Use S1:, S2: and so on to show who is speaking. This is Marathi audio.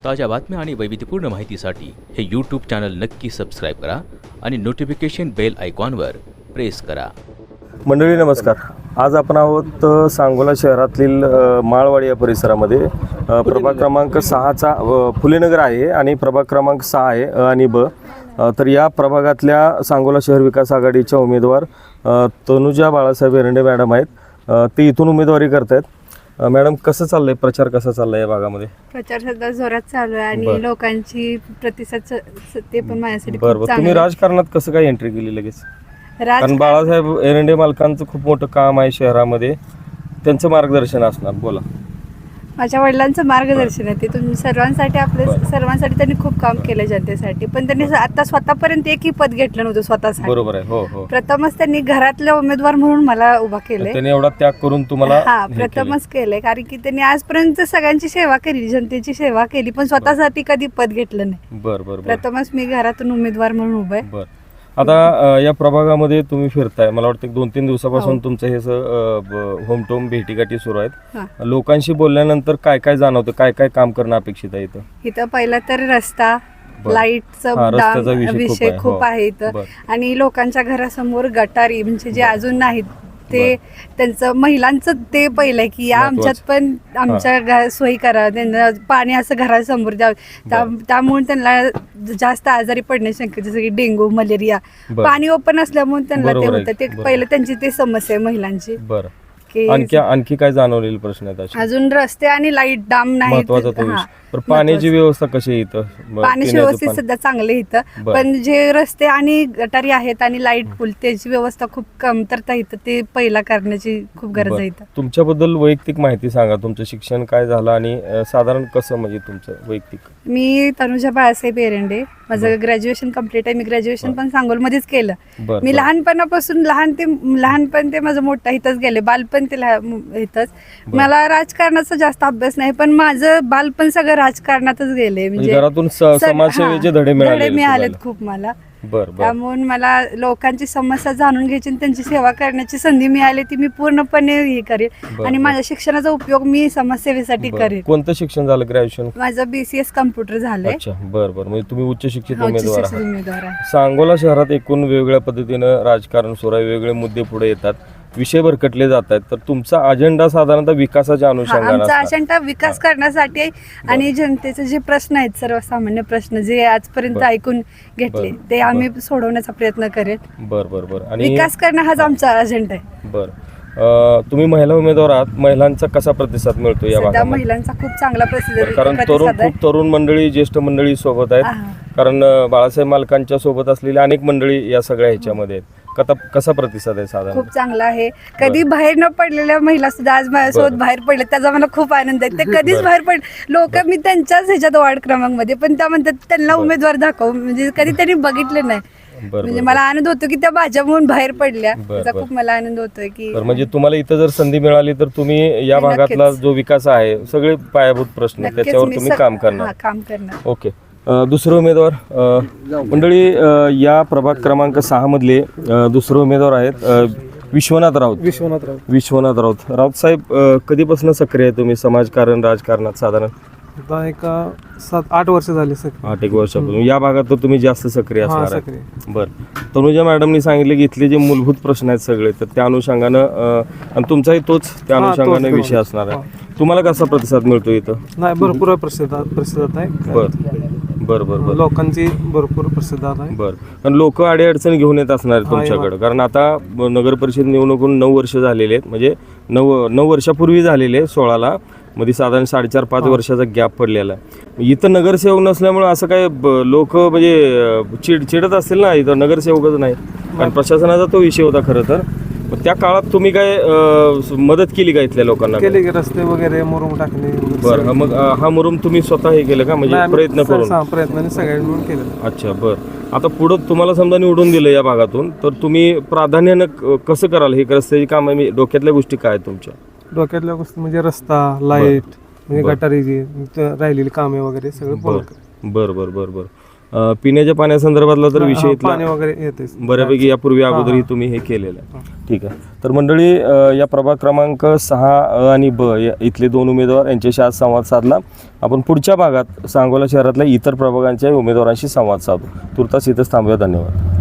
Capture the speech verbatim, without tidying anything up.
S1: ताज्या बातम्या आणि वैविध्यपूर्ण माहितीसाठी हे यूट्यूब चॅनल नक्की सबस्क्राईब करा आणि नोटिफिकेशन बेल आयकॉनवर प्रेस करा.
S2: मंडळी नमस्कार. आज आपण आहोत अ, सांगोला शहरातील अ, माळवाडी या परिसरामध्ये. अ, प्रभाग क्रमांक सहाचा अ, फुलेनगर आहे आणि प्रभाग क्रमांक सहा आहे अ आणि ब. अ, तर या प्रभागातल्या सांगोला शहर विकास आघाडीच्या उमेदवार अ, तनुजा बाळासाहेब एरंडे मॅडम आहेत. अ, ते इथून उमेदवारी करत आहेत. मॅडम, कसं चाललंय प्रचार, कसा चाललाय या भागामध्ये?
S3: प्रचार सध्या जोरात चालू आहे
S2: बरं.
S3: आणि लोकांची प्रतिसाद स- स- ते पण माझ्यासाठी
S2: बरं
S3: खूप
S2: बरं.
S3: चांगलं
S2: तुम्ही
S3: आहे.
S2: राजकारणात कसं काय एंट्री केली लगेच? कारण
S3: राजकारण
S2: बाळासाहेब एरंडे मालकांचं खूप मोठं काम आहे शहरामध्ये, त्यांचं मार्गदर्शन असणार. बोला.
S3: माझ्या वडिलांचं मार्गदर्शन आहे ते तुम्ही सर्वांसाठी आपले
S2: बरं.
S3: सर्वांसाठी त्यांनी खूप काम केलं जनतेसाठी, पण त्यांनी स- आता स्वतःपर्यंत एकही पद घेतलं नव्हतं स्वतःसाठी.
S2: बरोबर आहे. हो हो.
S3: प्रथमच त्यांनी घरातला उमेदवार म्हणून मला उभा केलंय.
S2: त्यांनी एवढा त्याग करून तुम्हाला
S3: हा
S2: हे केलंय.
S3: प्रथमच केलंय, कारण की त्यांनी आजपर्यंत सगळ्यांची सेवा केली, जनतेची सेवा केली, पण स्वतःसाठी कधी पद घेतलं नाही.
S2: बर बर बर
S3: प्रथमच मी घरातून उमेदवार म्हणून उभा आहे.
S2: बर. आता अ, या प्रभागामध्ये तुम्ही फिरताय, मला वाटतं एक दोन तीन दिवसापासून
S3: हो.
S2: तुमचं हे होम टोम भेटीगाठी सुरू आहेत.
S3: हा.
S2: लोकांशी बोलल्यानंतर काय काय जाणवतं, काय काय काम करणं अपेक्षित आहे इथं?
S3: इथं पहिला तर रस्ता,
S2: बरं.
S3: लाईटचा
S2: हा, रस्त्याचा
S3: डाम-
S2: विषय खूप
S3: विषय
S2: आहे.
S3: खूप
S2: हो.
S3: आहे इथं.
S2: बरं.
S3: आणि लोकांच्या घरासमोर गटारी म्हणजे जे
S2: बरं.
S3: अजून नाहीत ते त्यांचं महिलांचं ते पहिलं आहे की या
S2: महत्वाचं.
S3: आमच्यात पण आमच्या घ- सोयी करा, त्यांना पाणी असं घरासमोर द्यावं. त्या-
S2: बरं.
S3: त्यामुळे त्यांना जास्त आजारी पडण्याची शक्यता, जसं की डेंग्यू, मलेरिया,
S2: बरं.
S3: पाणी ओपन असल्यामुळे त्यांना ते
S2: बरोबर आहे.
S3: होतं. ते
S2: बरोबर.
S3: पहिलं त्यांची ते समस्या आहे महिलांची
S2: बरं.
S3: की
S2: आणखी आणखी काय जाणवलेले प्रश्न आहेत असे?
S3: अजून रस्ते आणि लाईट डाम नाही.
S2: महत्वाचा तो विषय. पण पाण्याची व्यवस्था कशी आहे इथं? ब-
S3: पाण्याची
S2: पिण्याचं
S3: व्यवस्थित
S2: पाणी.
S3: सध्या चांगले इथं,
S2: बरं.
S3: पण जे रस्ते आणि गटारी आहेत आणि लाईट पूल त्याची व्यवस्था खूप कमतरता इथं, ते पहिला करण्याची खूप गरज
S2: बरं.
S3: आहे इथं.
S2: तुमच्याबद्दल वैयक्तिक माहिती सांगा. तुमचं शिक्षण काय झालं आणि अ, साधारण कसं, म्हणजे तुमचं वैयक्तिक?
S3: मी तनुजा बाळासाहेब एरंडे, माझं
S2: बरं.
S3: ग्रॅज्युएशन कम्प्लीट आहे. मी ग्रॅज्युएशन
S2: बरं.
S3: पण सांगोलमध्येच केलं.
S2: बरं,
S3: मी
S2: बरं.
S3: लहानपणापासून लहान ते लहानपण ते माझं मोठं इथंच गेले, बालपण ते लहा- इथंच.
S2: बरं.
S3: मला राजकारणाचा जास्त अभ्यास नाही, पण माझं बालपण सगळं राजकारणातच गेले.
S2: म्हणजे घरातून स-
S3: सग-
S2: समाजसेवेचे
S3: हा,
S2: धडे मिळाले
S3: धडे मिळालेत खूप मला.
S2: बर बर.
S3: त्यामुळे मला लोकांची समस्या जाणून घ्यायची आणि त्यांची सेवा करण्याची संधी मिळाली, ती मी पूर्णपणे हे करेन.
S2: बरं,
S3: आणि
S2: बरं.
S3: माझ्या शिक्षणाचा उपयोग मी समाजसेवेसाठी
S2: बरं.
S3: करेन.
S2: कोणतं शिक्षण झालं? ग्रॅज्युएशन?
S3: माझं बीसीएस कम्प्युटर झालंय.
S2: अच्छा, बर बर. म्हणजे तुम्ही उच्च शिक्षित
S3: हा, उच्च
S2: उमेदवार
S3: शिक्षित
S2: आहात.
S3: उमेदवार आहे.
S2: सांगोला शहरात एकूण वेगवेगळ्या पद्धतीनं राजकारण सुरू आहे, वेगवेगळे मुद्दे पुढे येतात, विषय भरकटले जात आहेत. तर तुमचा अजेंडा साधारणतः विकासाच्या
S3: हा,
S2: अनुषंगाने
S3: आमचा
S2: असणार.
S3: अजेंडा विकास करण्यासाठी आहे. आणि जनतेचे जे प्रश्न आहेत, सर्वसामान्य प्रश्न जे आजपर्यंत
S2: बरं.
S3: ऐकून घेतले,
S2: बरं.
S3: ते आम्ही सोडवण्याचा प्रयत्न करेन.
S2: बर बर बर. आणि
S3: विकास करणं हाच आमचा अजेंडा आहे.
S2: बर. अं, तुम्ही महिला उमेदवार आहात, महिलांचा कसा प्रतिसाद मिळतो या
S3: सध्या
S2: भागामध्ये?
S3: महिलांचा खूप चांगला प्रसिद्ध
S2: बरं, कारण तरुण
S3: प्रतिसाद आहे.
S2: खूप तरुण मंडळी, ज्येष्ठ मंडळी सोबत आहेत.
S3: हा.
S2: कारण अं, बाळासाहेब मालकांच्या सोबत असलेली अनेक मंडळी या सगळ्या ह्याच्यामध्ये आहेत. कथा कसा प्रतिसाद आहे साधारण?
S3: खूप चांगला आहे. कधी बाहेर न पडलेल्या महिला सुद्धा आज माझ्यासोबत
S2: बरं.
S3: बाहेर पडले, त्याचा मला खूप आनंद आहे. ते कधीच
S2: बरं.
S3: बाहेर पड लोक मी त्यांच्याच ह्याच्यात वार्ड क्रमांकमध्ये, पण त्या म्हणतात त्यांना
S2: बरं.
S3: उमेदवार दाखव, म्हणजे कधी त्यांनी बघितले नाही.
S2: बरं,
S3: म्हणजे
S2: बरं,
S3: मला आनंद होतो की त्या भाज्यामधून बाहेर पडल्या.
S2: बरं,
S3: त्याचा
S2: बरं.
S3: खूप मला आनंद होतोय की
S2: तर म्हणजे तुम्हाला इथं जर संधी मिळाली तर तुम्ही या
S3: नक्कीच.
S2: भागातला जो विकास आहे, सगळे पायाभूत प्रश्न
S3: नक्कीच
S2: त्याच्यावर
S3: मी
S2: तुम्ही
S3: सग-
S2: काम करणार.
S3: हा, काम करणार.
S2: ओके. अ, दुसरं उमेदवार अ, मंडळी, अ, या प्रभाग क्रमांक सहा मधले अ, दुसरे उमेदवार आहेत अ, विश्वनाथ राऊत.
S4: विश्वनाथ राव
S2: विश्वनाथ राऊत. राऊत साहेब, अ, कधीपासून सक्रिय आहे तुम्ही समाजकारण, राजकारणात? साधारण
S4: आता एक अ, सात आठ वर्ष झाली सर.
S2: आठ एक वर्षापासून या भागात तर तुम्ही जास्त सक्रिय
S4: हा,
S2: असणार
S4: सक्रिय.
S2: आहे. बरं. तनुजा मॅडमनी सांगितले की इथले जे मूलभूत प्रश्न आहेत सगळे, तर त्या अनुषंगानं अ, आणि तुमचाही तोच त्या
S4: हा,
S2: अनुषंगाने
S4: तोच,
S2: विषय
S4: तोच.
S2: असणार आहे. तुम्हाला कसा प्रतिसाद मिळतो इथं?
S4: नाही, भरपूर प्रसिद्ध प्रसिद्ध आहे.
S2: बर बर बर बर
S4: लोकांची भरपूर प्रसिद्ध आहे.
S2: बर. कारण लोक अडीअडचणी घेऊन येत असणार आहेत
S4: हा,
S2: तुमच्याकडे, कारण आता नगर परिषद निवडणूकून नऊ वर्ष झालेले आहेत, म्हणजे नऊ नऊ वर्षापूर्वी झालेले, सोळाला मध्ये साधारण साडेचार पाच वर्षाचा गॅप पडलेला आहे. इथं नगरसेवक नसल्यामुळे असं काय लोक म्हणजे अं, चिड चिडत असतील ना, इथं नगरसेवकच नाही, कारण प्रशासनाचा तो विषय होता खरं तर. मग त्या काळात तुम्ही काय अं, मदत केली का इथल्या लोकांना?
S4: केले की रस्ते वगैरे मुरुम टाकणे.
S2: बरं. हा, मग अं, हा मुरुम तुम्ही स्वतः हे केलं का, म्हणजे
S4: नाही, आम्ही
S2: प्रयत्न
S4: स-
S2: करून?
S4: हा, प्रयत्नाने सगळ्यांनी मिळून केलं.
S2: अच्छा, बरं. आता पुढं तुम्हाला समजा निवडून दिलं या भागातून, तर तुम्ही प्राधान्यानं क- कसं कराल हे रस्त्याची कामं? मी डोक्यातल्या गोष्टी काय आहेत तुमच्या?
S4: डोक्यातल्या गोष्टी म्हणजे रस्ता, लाईट, म्हणजे
S2: बरं.
S4: गटारीची त- राहिलेली कामे वगैरे सगळं पूर्ण
S2: बरं बरं बरं बरं बरं. अ, पिण्याच्या पाण्यासंदर्भातला तर विषय
S4: हा,
S2: इथला
S4: पाणी वगैरे येते
S2: बऱ्यापैकी यापूर्वी अगोदरही
S4: हा.
S2: तुम्ही हे केलेलं आहे. ठीक आहे. तर मंडळी अ, या प्रभाग क्रमांक सहा अ आणि ब या इथले दोन उमेदवार यांच्याशी आज संवाद साधला. आपण पुढच्या भागात सांगोला शहरातल्या इतर प्रभागांच्या उमेदवारांशी संवाद साधू. तुर्तास इथंच थांबूया. धन्यवाद.